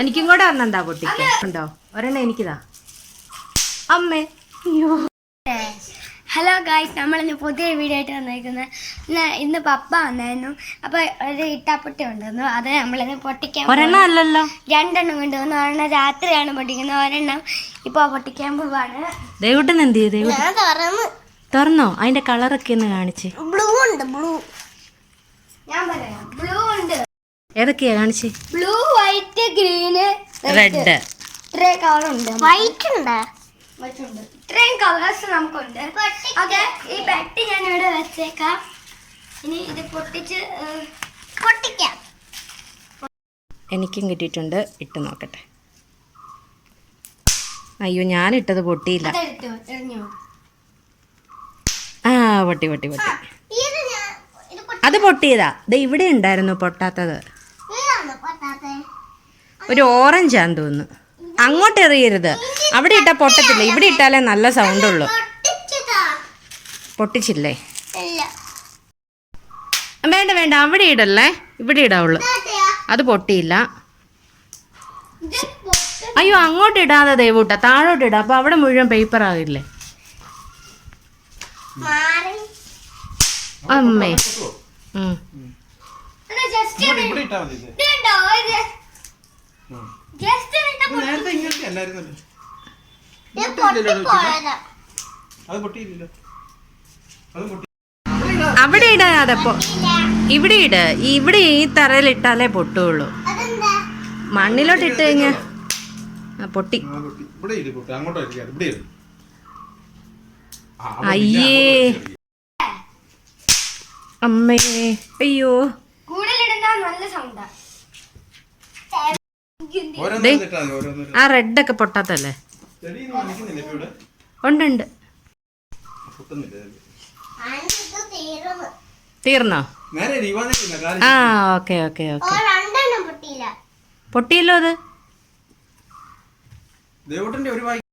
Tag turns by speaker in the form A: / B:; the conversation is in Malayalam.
A: എനിക്കും കൂടെ ഒരെണ്ണം പൊട്ടിക്കാൻ ഉണ്ടോ? ഒരെണ്ണം എനിക്കിതാ അമ്മേ. അയ്യോ.
B: ഹലോ ഗായ്സ്, നമ്മളിന്ന് പുതിയ വീഡിയോ ആയിട്ട് വന്നിരിക്കുന്നത്. ഇന്ന് പപ്പ വന്നായിരുന്നു. അപ്പോൾ ഒരു ഇട്ടാപ്പൊട്ടി ഉണ്ടായിരുന്നു. അത് നമ്മളിന്ന് പൊട്ടിക്കാൻ.
A: ഒരെണ്ണം അല്ലല്ലോ,
B: 2 എണ്ണം കൊണ്ടുവന്നു. ഒരെണ്ണം രാത്രിയാണ് പൊട്ടിക്കുന്നത്, ഒരെണ്ണം ഇപ്പോൾ പൊട്ടിക്കാൻ പോവാണ്.
A: ദേവുട്ടൻ എന്ത് ചെയ്തു? തുറന്നോ? അതിന്റെ കളറൊക്കെ ഒന്ന് കാണിച്ച്.
B: ബ്ലൂ ഉണ്ട്, ബ്ലൂ. ഞാൻ പറയാം, ബ്ലൂ ഉണ്ട്.
A: ഏതൊക്കെയാ കാണിച്ച്?
B: Blue, white, green,
A: red.
B: ഇത്രയും കളർ ഉണ്ട്. വൈറ്റ് ഉണ്ട്, ഇത്രയും കളേഴ്സ് നമുക്കുണ്ട്. ഓക്കെ, ഈ പെട്ടി ഞാൻ ഇവിടെ വെച്ചേക്കാം. ഇനി ഇത് പൊട്ടിക്കാം.
A: എനിക്കും കിട്ടിയിട്ടുണ്ട്, ഇട്ട് നോക്കട്ടെ. അയ്യോ, ഞാനിട്ടത് പൊട്ടിയില്ല. ആ, പൊട്ടി. അത് പൊട്ടിയതാ. ഇവിടെ ഉണ്ടായിരുന്നു പൊട്ടാത്തത്. ഒരു ഓറഞ്ചാന്ന് തോന്നുന്നു. അങ്ങോട്ട് എറിയരുത്, അവിടെ ഇട്ടാൽ പൊട്ടത്തില്ല. ഇവിടെ ഇട്ടാലേ നല്ല സൗണ്ട് ഉള്ളു. പൊട്ടിച്ചില്ലേ? വേണ്ട, അവിടെ ഇടല്ലേ, ഇവിടെ ഇടാവുള്ളു. അത് പൊട്ടിയില്ല. അയ്യോ, അങ്ങോട്ട് ഇടാതെ ദേവൂട്ട, താഴോട്ട് ഇടാം. അപ്പൊ അവിടെ മുഴുവൻ പേപ്പർ ആകില്ലേ അമ്മേ. അവിടെ ഇടാതെപ്പോ ഇവിടെ ഇവിടെ ഈ തറയിൽ ഇട്ടാലേ പൊട്ടുള്ളൂ. മണ്ണിലോട്ട് ഇട്ട് കഴിഞ്ഞാ പൊട്ടി. അയ്യേ അമ്മേ, അയ്യോ. ആ റെഡൊക്കെ പൊട്ടാത്തല്ലേ? ഉണ്ട്. തീർന്നോ? ആ, ഓക്കെ. പൊട്ടിയല്ലോ അത്.